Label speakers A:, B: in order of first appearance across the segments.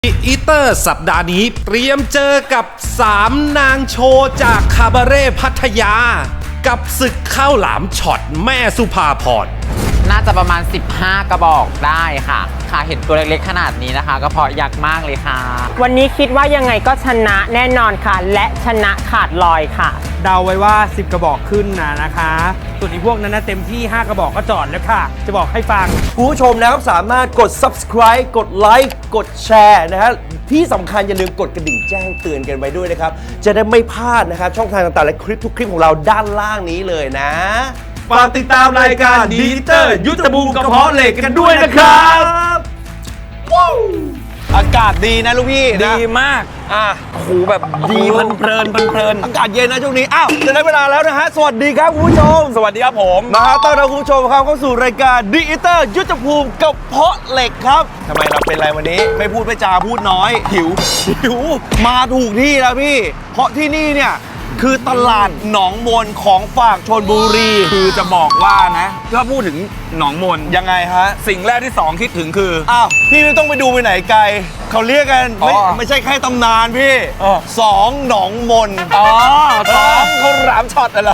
A: อีเตอร์สัปดาห์นี้เตรียมเจอกับ3นางโชว์จากคาบาเร่พัทยากับศึกข้าวหลามช็อตแม่สุภาพร
B: น่าจะประมาณ15กระบอกได้ค่ะเห็นตัวเล็กๆขนาดนี้นะคะก็เพราะยักษ์มากเลยค่ะ
C: วันนี้คิดว่ายังไงก็ชนะแน่นอนค่ะและชนะขาดลอยค่ะ
D: เดาไว้ว่า10กระบอกขึ้นนะคะส่วนอีกพวกนั้นนะเต็มที่5กระบอกก็จอดแล้วค่ะจะบอกให้ฟัง
E: คุณผู้ชมนะครับสามารถกด subscribe กดไลค์กดแชร์นะฮะที่สำคัญอย่าลืมกดกระดิ่งแจ้งเตือนกันไว้ด้วยนะครับจะได้ไม่พลาดนะครับช่องทางต่างๆและคลิปทุกคลิปของเราด้านล่างนี้เลยนะฝากติดตามรายการดีเตอร์ยุทธภูมิกระเพาะเหล็กกันด้วยนะครับอากาศดีนะลูกพี่ดีมากโอ้โหแบบดีเพลินอากาศเย็นนะช่วงนี้อ้าวจะได้เวลาแล้วนะฮะสวัสดีครับคุณผู้ชมสวัสดีครับผมมาต้อนรับคุณผู้ชมครับเข้าสู่รายการดีเตอร์ยุทธภูมิกระเพาะเหล็กครับทำไมเราเป็นไรวันนี้ไม่พูดไม่จาพูดน้อยหิวมาถูกที่แล้วพี่เพราะที่นี่เนี่ยคือตลาดหนองมนของฝากชลบุรี
F: คือจะบอกว่านะถ้าพูดถึงหนองมน
E: ยังไงฮะ
F: สิ่งแรกที่2คิดถึงคือ
E: อ้าวพี่ไม่ต้องไปดูไปไหนไกลเขาเรียกกันไม่ใช่แค่ตำนานพี่2หนองมน2เขาหลามช็อตอะไร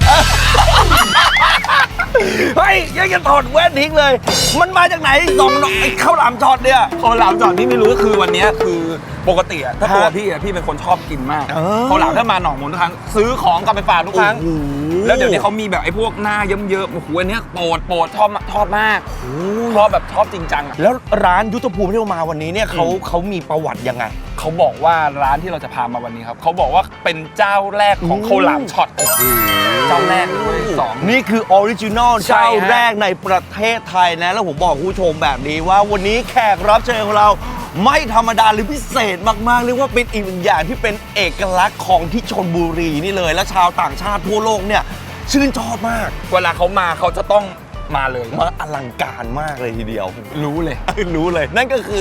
E: เฮ้ยยังจะถอดแว่นทิ้งเลยมันมาจากไหน2หนองข้าวหลามช็อตเนี่ย
F: ข้าวหลามช็อตที่ไม่รู้ก็คือวันนี้คือปกติถ้าตัวพี่เป็นคนชอบกินมากข้าวหลามถ้ามาหนองมนทุกครั้งซื้อของกลับไปฝากทุกครั้งแล้วเดี๋ยวนี้เขามีแบบไอ้พวกหน้าเยิ้มๆโอ้โหอันนี้โปรดชอบมากชอบจริงจัง
E: แล้วร้านยุทธภูมิที่เรามาวันนี้เนี่ยเขามีประวัติยังไง
F: เขาบอกว่าร้านที่เราจะพามาวันนี้ครับเขาบอกว่าเป็นเจ้าแรกของข้าวหลามช็อตเจ้าแรกเลย
E: นี่คือออริจินอลเจ้าแรกในประเทศไทยนะแล้วผมบอกคุณผู้ชมแบบนี้ว่าวันนี้แขกรับเชิญของเราไม่ธรรมดาหรือพิเศษมากๆเรียกว่าเป็นอีกหนึ่งอย่างที่เป็นเอกลักษณ์ของที่ชลบุรีนี่เลยและชาวต่างชาติทั่วโลกเนี่ยชื่นชอบมาก
F: เวลาเขามาเขาจะต้องมาเลย
E: มาอลังการมากเลยทีเดียว
F: รู้เลย
E: นั่นก็คือ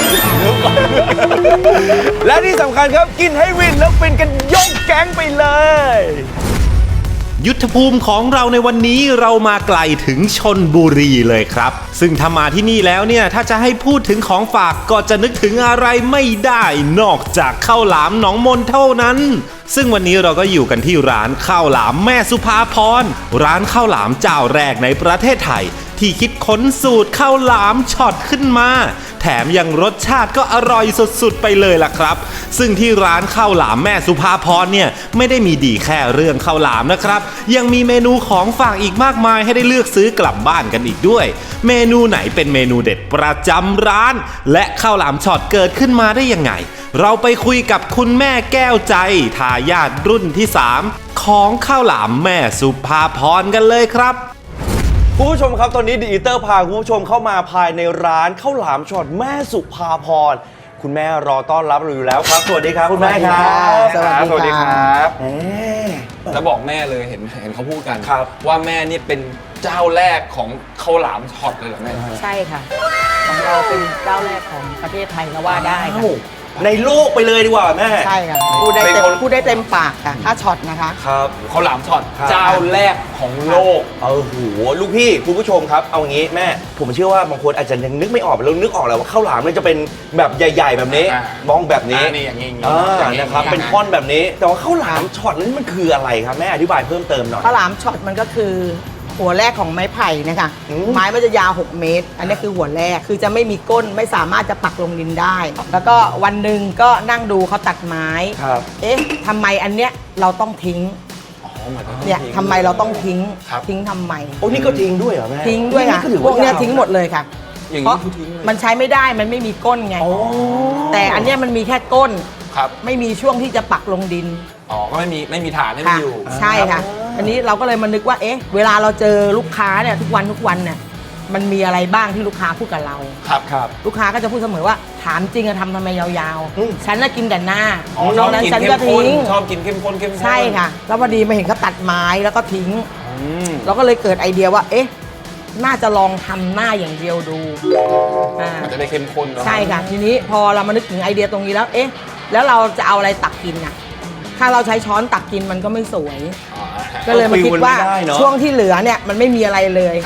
E: และที่สำคัญครับกินให้วินแล้วเป็นกันยกแก๊งไปเลย
A: ยุทธภูมิของเราในวันนี้เรามาไกลถึงชลบุรีเลยครับซึ่งถ้ามาที่นี่แล้วเนี่ยถ้าจะให้พูดถึงของฝากก็จะนึกถึงอะไรไม่ได้นอกจากข้าวหลามหนองมนเท่านั้นซึ่งวันนี้เราก็อยู่กันที่ร้านข้าวหลามแม่สุภาพรร้านข้าวหลามเจ้าแรกในประเทศไทยที่คิดค้นสูตรข้าวหลามช็อตขึ้นมาแถมยังรสชาติก็อร่อยสุดๆไปเลยล่ะครับซึ่งที่ร้านข้าวหลามแม่สุภาพรเนี่ยไม่ได้มีดีแค่เรื่องข้าวหลามนะครับยังมีเมนูของฝากอีกมากมายให้ได้เลือกซื้อกลับบ้านกันอีกด้วยเมนูไหนเป็นเมนูเด็ดประจำร้านและข้าวหลามช็อตเกิดขึ้นมาได้ยังไงเราไปคุยกับคุณแม่แก้วใจทายาทรุ่นที่3ของข้าวหลามแม่สุภาพรกันเลยครับ
E: คุณผู้ชมครับตอนนี้ดีอีเตอร์พาคุณผู้ชมเข้ามาภายในร้านข้าวหลามช็อตแม่สุภาพรคุณแม่รอต้อนรับเราอยู่แล้วครับสวัสดีครับคุณแม่ครับ
F: สวัสดีครับแล้วบอกแม่เลยเห็นเขาพูดกันว่าแม่นี่เป็นเจ้าแรกของข้าวหลามช็อตเลยเหรอแม่
C: ใช่ค่ะของเราเป็นเจ้าแรกของประเทศไทยก็ว่าได้ค่ะ
E: ในโลกไปเลยดีกว่าแม่
C: ใช่ค่ะพูดได้เต็มปากค่ะถ้าช็อตนะคะ
E: ครับ
F: ข้าวหลามช็อตเจ้าแรกของโลก
E: โหลูกพี่คุณผู้ชมครับเอางี้แม่ผมเชื่อว่าบางคนอาจจะยังนึกไม่ออกแล้วนึกออกแล้วว่าข้าวหลามมันจะเป็นแบบใหญ่ๆแบบนี้มองแบบนี้
F: นี่อย่างนี้
E: นะครับเป็นท่อนแบบนี้แต่ว่าข้าวหลามช็อตนั้นมันคืออะไรครับแม่อธิบายเพิ่มเติมหน่อย
C: ข้าวหลามช็อตมันก็คือหัวแรกของไม้ไผ่นะคะไม้มันจะยาว6 เมตรอันนี้คือหัวแรกคือจะไม่มีก้นไม่สามารถจะปักลงดินได้แล้วก็วันหนึ่งก็นั่งดูเขาตัดไม้เอ๊ะทำไมอันเนี้ยเราต้องทิ้งเนี่ยทำไมเราต้องทิ้งทำไม
E: โอ้นี่ก็ทิ้งด้วยเหรอแม่
C: ทิ้งด้วยค่ะพวกเนี้ยทิ้งหมดเลยค่ะเพราะมันใช้ไม่ได้มันไม่มีก้นไงแต่อันเนี้ยมันมีแค่ก้นไม่มีช่วงที่จะปักลงดิน
F: ก็ไม่มีฐานให้มันอยู่
C: ใช่ค่ะอันนี้เราก็เลยมานึกว่าเอ๊ะเวลาเราเจอลูกค้าเนี่ยทุกวันเนี่ยมันมีอะไรบ้างที่ลูกค้าพูดกับเรา
E: ครับ
C: ลูกค้าก็จะพูดเสมอว่าถามจริงอะทำไมยาวๆฉันน่ะกินแต่หน้านอกนั้นฉันก็ทิ้ง
F: ชอบกินเข้มข้น
C: ใช่ค่ะแล้วพอดีมาเห็นเขาตัดไม้แล้วก็ทิ้งเราก็เลยเกิดไอเดียว่าเอ๊ะน่าจะลองทำหน้าอย่างเดียวดู
F: มันจะได้เข้มข้น
C: ใช่ค่ะทีนี้พอเรามานึกถึงไอเดียตรงนี้แล้วเอ๊ะแล้วเราจะเอาอะไรตักกินอะถ้าเราใช้ช้อนตักกินมันก็ไม่สวยก็เลยมาคิดว่าช่วงที่เหลือเนี่ยมันไม่มีอะไรเลย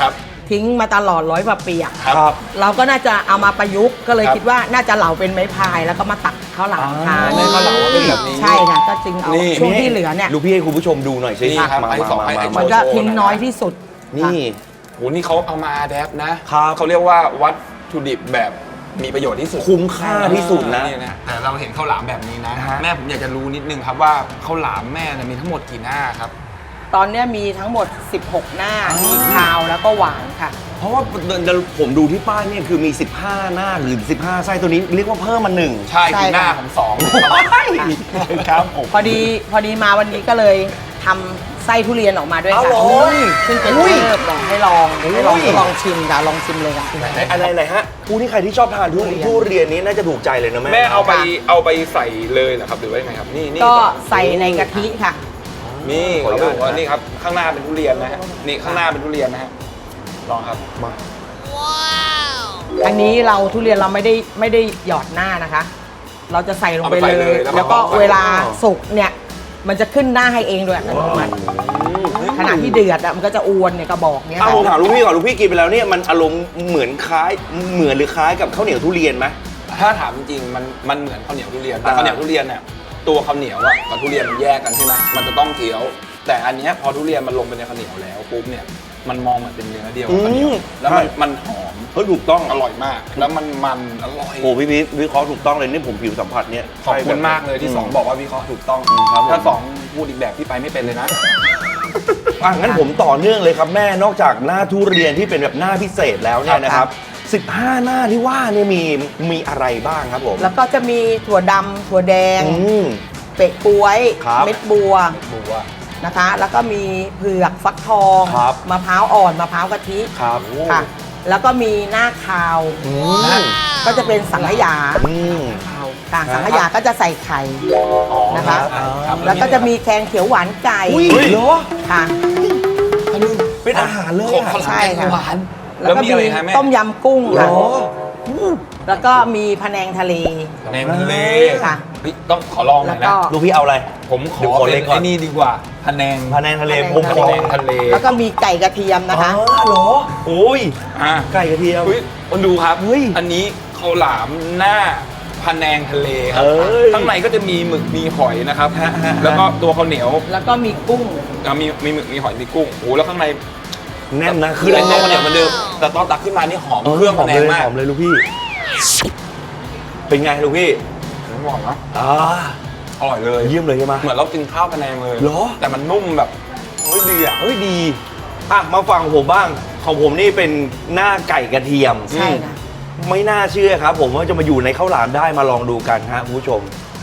C: ทิ้งมาตลอด100 กว่าปีอะ
E: ครับ
C: เราก็น่าจะเอามาประยุกต์ก็เลยคิดว่าน่าจะเหลาเป็นไม้พายแล้วก็มาตักข้าวหลามทาน
F: ในข้าวหลามเป็นแบบนี้
C: ใช่ค่ะก็จึงเอา
F: นี่
C: ช่วงที่เหลือเนี่ย
E: ลูกพี่ให้คุณผู้ชมดูหน่อยสิ
F: นี่ครับ
E: มา
F: ไอ้สองไอ้
C: มันก็ทิ้งน้อยที่สุด
E: นี่
F: โหนี่เขาเอามาแดปนะครับ เขาเรียกว่าวัตถุดิบแบบมีประโยชน์ที่สุด
E: คุ้มค่าที่สุดนะ
F: แต่เราเห็นข้าวหลามแบบนี้นะ
E: ฮะ
F: แม่ผมอยากจะรู้นิดนึงครับว่าข้าวหลามแม่เนี่ยมีทั้งหมดกี่หน้าครับ
C: ตอนเนี้ยมีทั้งหมด 16 หน้ามีคาวแล้วก็หวานค่ะ
E: เพราะว่าผมดูที่ป้ายเนี่ยคือมี 15 หน้าหรือ 15 ไส้ตัวนี้เรียกว่าเพิ่มมาหนึ่ง
F: ใช่
C: ใช่
F: คือหน้า
C: ค่ะ
F: ของสอง
E: ครับผม
C: พอดีมาวันนี้ก็เลยทำไส้ทุเรียนออกมาด้วย
E: เอา
C: ค่ะ
E: เหรอ
C: ซึ่งเป็น
E: อุ้ย
C: เลิศบอกให้ลองลองชิมค่ะลองชิมเลยค่ะ
E: อะไรฮะผู้ที่ใครที่ชอบทานทุเรียนนี้น่าจะถูกใจเลยนะแม่
F: แม่เอาไปใส่เลยเหรอครับหรือว่ายังไงครับนี่
C: ก็ใส่ในกะทิค่ะ
F: นี่
E: ขอ
F: เขา
E: อนุญาต
F: บอกว่านี่ครับข้างหน้าเป็นทุเรียนนะฮะนี่ข้างหน้าเป็นทุเรียนนะฮะลองครับ
E: มา
C: อันนี้เราทุเรียนเราไม่ได้หยอดหน้านะคะ เราจะใส่ลงไป
F: เอาไป
C: เล
F: เลย
C: ย
F: แล้วก็
C: แล้วก็
F: เอาไป
C: เวลาสุกเนี่ย มันจะขึ้นหน้าให้เองโดยอัตโนมัติขณะที่เดือดอะมันก็จะอวนเนี่ยกระบอกเนี่ย
E: เอา
C: ค่ะ
E: ผมถามลูกพี่ก่อนลูกพี่กินไปแล้วเนี่ยมันอารมณ์เหมือนหรือคล้ายกับข้าวเหนียวทุเรียนไหม
F: ถ้าถามจริงๆมันเหมือนข้าวเหนียวทุเรียนแต่ข้าวเหนียวทุเรียนเนี่ยตัวข้าวเหนียวอะกับทุเรียนมันแยกกันใช่ไหมมันจะต้องเคี้ยว แต่อันเนี้ยพอทุเรียนมันลงไปในข้าวเหนียวแล้วปุ๊บเนี่ยมันมองเหมือนเป็นเนื้อเดียวกับข้าวเหนียวแล้วมันหอม
E: เฮ้ยถูกต้อง
F: อร่อยมาก แล้วมันอร่อย
E: โอ้พี่พีทวิเคราะห์ถูกต้องเลยนี่ผมผิวสัมผัสเนี่ย
F: ขอบคุณมากเลยที่สองบอกว่าวิเคราะห์ถูกต้อง
E: ครับผม
F: ถ้าสองพูดอีกแบบพี่ไปไม่เป็นเลยนะ
E: อ่ะงั้นผมต่อเนื่องเลยครับแม่นอกจากหน้าทุเรียนที่เป็นแบบหน้าพิเศษแล้วเนี่ยนะครับ 15 หน้าที่ว่าเนี่ยมีอะไรบ้างครับผม
C: แล้วก็จะมีถั่วดำถั่วแดง
E: อืม
C: เปะกล้วย
E: ครับ
C: เม็ดบัว
F: บัว
C: นะคะ แล้วก็มีเผือกฟักทอง
E: ครับ
C: มะพร้าวอ่อนมะพร้าวกะทิ
E: ครับ
C: ค่ะ แล้วก็มีหน้าคาว
E: อืม
C: ก็จะเป็นสังขยา
E: อืม
C: ค่ะสังขยาก็จะใส่ไข่นะคะ
F: ครับ
C: แล้วก็จะมีแกงเขียวหวานไก่
E: อุ้ยเหรอ
C: ค่ะ
E: เป็นอาหารเลย
F: ของ
E: อะ
F: ข้าวหลาม
C: ใช่
F: แกง
C: ค่ะ
F: หวาน
C: แล้วก็
F: มีอะไรฮะแม่
C: ต้มยำกุ้ง
E: เหร
C: ค่ะ
E: อ
C: แล้วก็มีพะแนงทะเล
F: ในทะเล
C: ค่ะ
F: เฮ้ยต้องขอลองหน่
C: แล้
F: อ
C: วย ก็
F: นะ
E: ลูกพี่เอาอะไร
F: ผมข
E: เดี๋ยว
F: อ
E: ขอ
F: เป็
E: เล็
F: น
E: กก่อน
F: ไอ้นี่ดีกว่าพะแนง
E: พะแนงทะเล
C: พะแนง
E: ผมขอ
F: พะแนงทะเล
C: แล้วก็มีไก่กระเทียมนะคะ
E: อ๋อเหรอโอ้ย
F: อ่ะ
E: ไก่กระเทียม
F: เฮ้ยคนดูครับ
E: เฮ้ย
F: อันนี้ข้าวหลามหน้าพะแนงทะเลครั
E: เอ้ย
F: ข้างในก็จะมีหมึกมีหอยนะครับ
E: ฮะ
F: แล้วก็ตัวข้าวเหนียว
C: แล้วก็มีกุ้ง
F: มีหมึกมีหอยมีกุ้งโอ้แล้วข้างใน
E: แน่นนะ
F: คือไอ้ตัวข้าวเหนียวเหมือนเดิมแต่ตอนตักขึ้นมานี่หอมเครื่องพะแนงมาก
E: หอมเลยลูกพี่ เป็นไงลูกพี่
F: ผมบอกนะ
E: อ่า
F: อร่อยเลย
E: เยี่ยมเลยใช่ไหม
F: เหมือนเรากินข้าวพะแนงเลย
E: เหรอ
F: แต่มันนุ่มแบบเฮ้ยดีอ่ะ
E: เฮ้ยดีอ่ะมาฟังผมบ้างของผมนี่เป็นหน้าไก่กระเทียม
C: ใช่ค่ะ
E: ไม่น่าเชื่อครับ ผมว่าจะมาอยู่ในข้าวหลามได้มาลองดูกันฮะคุณผู้ชม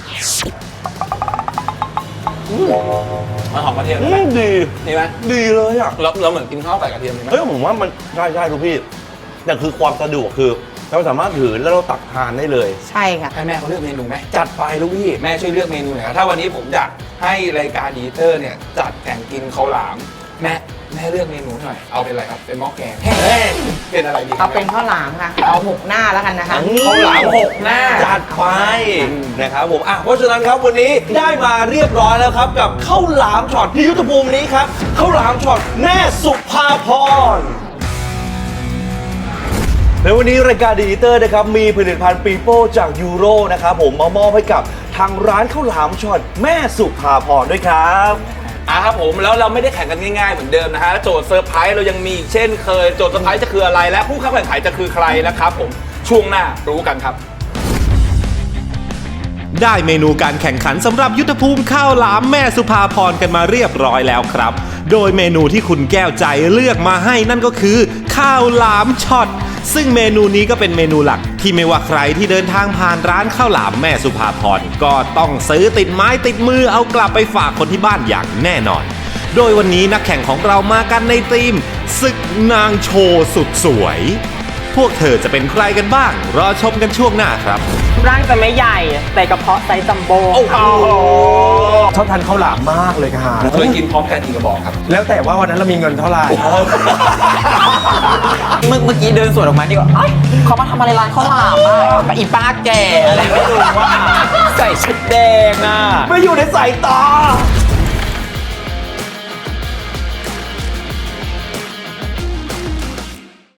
F: มันหอมกระเทียมใช่ไหม
E: ดี
F: ดีไหม
E: ดีเลยอ่ะ
F: เราเหมือนกินข้าวใส่กระเทียมใช่ไหม
E: เฮ้ยผมว่ามันใช่ใช่ลูกพี่แต่คือความสะดวกคือ เราสามารถถือแล้วเราตักทานได้เลย
C: ใช่ค่ะ
F: ให้แม่เขาเลือกเมนูไหม
E: จัดไปลูกพี่
F: แม่ช่วยเลือกเมนูหน่อยครับถ้าวันนี้ผมอยากให้รายการดีเตอร์เนี่ยจัดแข่งกินข้าวหลาม แม่เลือกเมนูหน่อยเอาเป็นอะไรครับเป็นหม้อแกงเป็นอะไรดีครั
C: เอาเป็นข้าวหลามค่ะ เอา6 หน้าแล้วกันนะคะ
F: ข้าวหลาม6 หน้า
E: จัดไปนะครับผมเพราะฉะนั้นครับวันนี้ได้มาเรียบร้อยแล้วครับกับข้าวหลามช็อตที่ยุทธภูมินี้ครับข้าวหลามช็อตแม่สุภาพรในวันนี้รายการดีเตอร์นะครับมีผลิตภัณฑ์ปีโป้จากยูโรนะครับผมมามอบให้กับทางร้านข้าวหลามช็อตแม่สุภาพรด้วยครับ
F: ครับผมแล้วเราไม่ได้แข่งกันง่ายๆเหมือนเดิมนะฮะโจทย์เซอร์ไพรส์เรายังมีอีกเช่นเคยโจทย์เซอร์ไพรส์จะคืออะไรและผู้เข้าแข่งขันจะคือใครนะครับผมช่วงหน้ารู้กันครับ
A: ได้เมนูการแข่งขันสำหรับยุทธภูมิข้าวหลามแม่สุภาพรกันมาเรียบร้อยแล้วครับ โดยเมนูที่คุณแก้วใจเลือกมาให้นั่นก็คือข้าวหลามช็อตซึ่งเมนูนี้ก็เป็นเมนูหลักที่ไม่ว่าใครที่เดินทางผ่านร้านข้าวหลามแม่สุภาพรก็ต้องซื้อติดไม้ติดมือเอากลับไปฝากคนที่บ้านอย่างแน่นอน โดยวันนี้นักแข่งของเรามากันในทีมศึกนางโชว์สุดสวย พวกเธอจะเป็นใครกันบ้างรอชมกันช่วงหน้าครับ
G: ร่างจะไม่ใหญ่ แต่กระเพาะไซส์จัมโบ้ค่ะ
D: ชอบทานข้าวหลามมากเลยค่ะ
F: เคยกินพร้อมกันกี่กระบอกครับ
D: แล้วแต่ว่าวันนั้นเรามีเงินเท่าไหร่
B: เมื่อกี้เดินสวนออกมานี่ก็เอ้ยเขามาทำอะไรร้านข้าวหลามอ่ะกับอีป้าแก่อะไรไม่รู้ว่าใส่ชุดแดงอ่ะ
E: ไม่อยู่ในสายตา